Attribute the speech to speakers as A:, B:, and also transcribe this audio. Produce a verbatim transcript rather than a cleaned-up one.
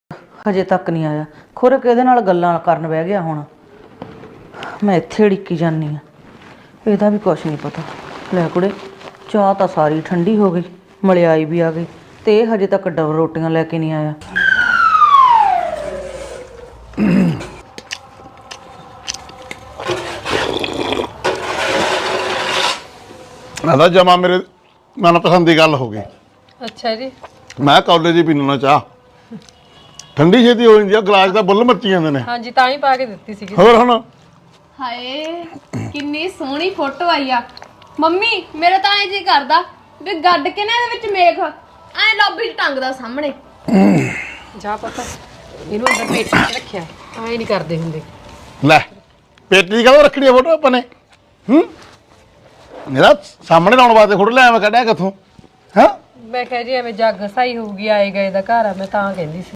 A: ਹਜੇ ਤੱਕ ਨਹੀਂ ਆਇਆ। ਖੁਰ ਕਿਹਦੇ ਨਾਲ ਗੱਲਾਂ ਕਰਨ ਬਹਿ ਗਿਆ ਹੁਣ। ਮੈਂ ਇੱਥੇ ਢਿੱਕੀ ਜਾਂਦੀ ਆ, ਇਹਦਾ ਵੀ ਕੁਛ ਨਹੀਂ ਪਤਾ। ਲੈ ਕੁੜੇ, ਚਾਹ ਤਾਂ ਸਾਰੀ ਠੰਡੀ ਹੋ ਗਈ, ਮਲਿਆਈ ਵੀ ਆ ਗਈ, ਤੇ ਇਹ ਹਜੇ ਤੱਕ ਡਬਲ ਰੋਟੀਆਂ ਲੈ ਕੇ ਨਹੀਂ ਆਇਆ।
B: ਆਦਾ ਜਮਾ ਮੇਰੇ ਮਨਪਸੰਦ ਦੀ ਗੱਲ ਹੋ ਗਈ।
C: ਅੱਛਾ ਜੀ।
B: ਮੈਂ ਕਾਲਜ ਹੀ ਪੀਣਾ ਚਾਹ, ਠੰਡੀ ਛੇਤੀ ਹੋ ਜਾਂਦੀ ਆ, ਗਲਾਸ ਦਾ ਬੁੱਲ ਮੱਚੀ ਜਾਂਦੇ ਨੇ।
C: ਹਾਂਜੀ ਤਾਂ ਹੀ ਪਾ ਕੇ ਦਿੱਤੀ ਸੀਗੀ।
B: ਹੋਰ ਹੁਣ
D: ਹਾਏ ਕਿੰਨੀ ਸੋਹਣੀ ਫੋਟੋ ਆਈ ਆ ਮੰਮੀ। ਮੇਰਾ ਤਾਂ ਐਂ ਜੀ ਕਰਦਾ ਵੀ ਗੱਡ ਕੇ ਨਾ ਇਹਦੇ ਵਿੱਚ ਮੇਖ ਐ ਲੌਬੀ 'ਚ ਟੰਗਦਾ ਸਾਹਮਣੇ।
C: ਜਾ ਪਤਾ ਇਹਨੂੰ ਅੰਦਰ ਪੇਟੀ 'ਚ ਰੱਖਿਆ, ਐਂ ਨਹੀਂ ਕਰਦੇ ਹੁੰਦੇ।
B: ਲੈ ਪੇਟੀ ਕਦੋਂ ਰੱਖਣੀ ਆ ਫੋਟੋ ਆਪਾਂ ਨੇ? ਹੂੰ ਮੇਰਾ ਸਾਹਮਣੇ ਲਾਉਣ ਵਾਸਤੇ ਫੋਟੋ ਲੈ ਮੈਂ ਕੱਢਿਆ ਕਿੱਥੋਂ? ਹਾਂ
C: ਮੈਂ ਕਿਹਾ ਜੀ ਐਵੇਂ ਜੱਗ ਸਹੀ ਹੋਊਗੀ, ਆਏ ਗਏ ਦਾ ਘਰ ਆ, ਮੈਂ ਤਾਂ ਕਹਿੰਦੀ ਸੀ।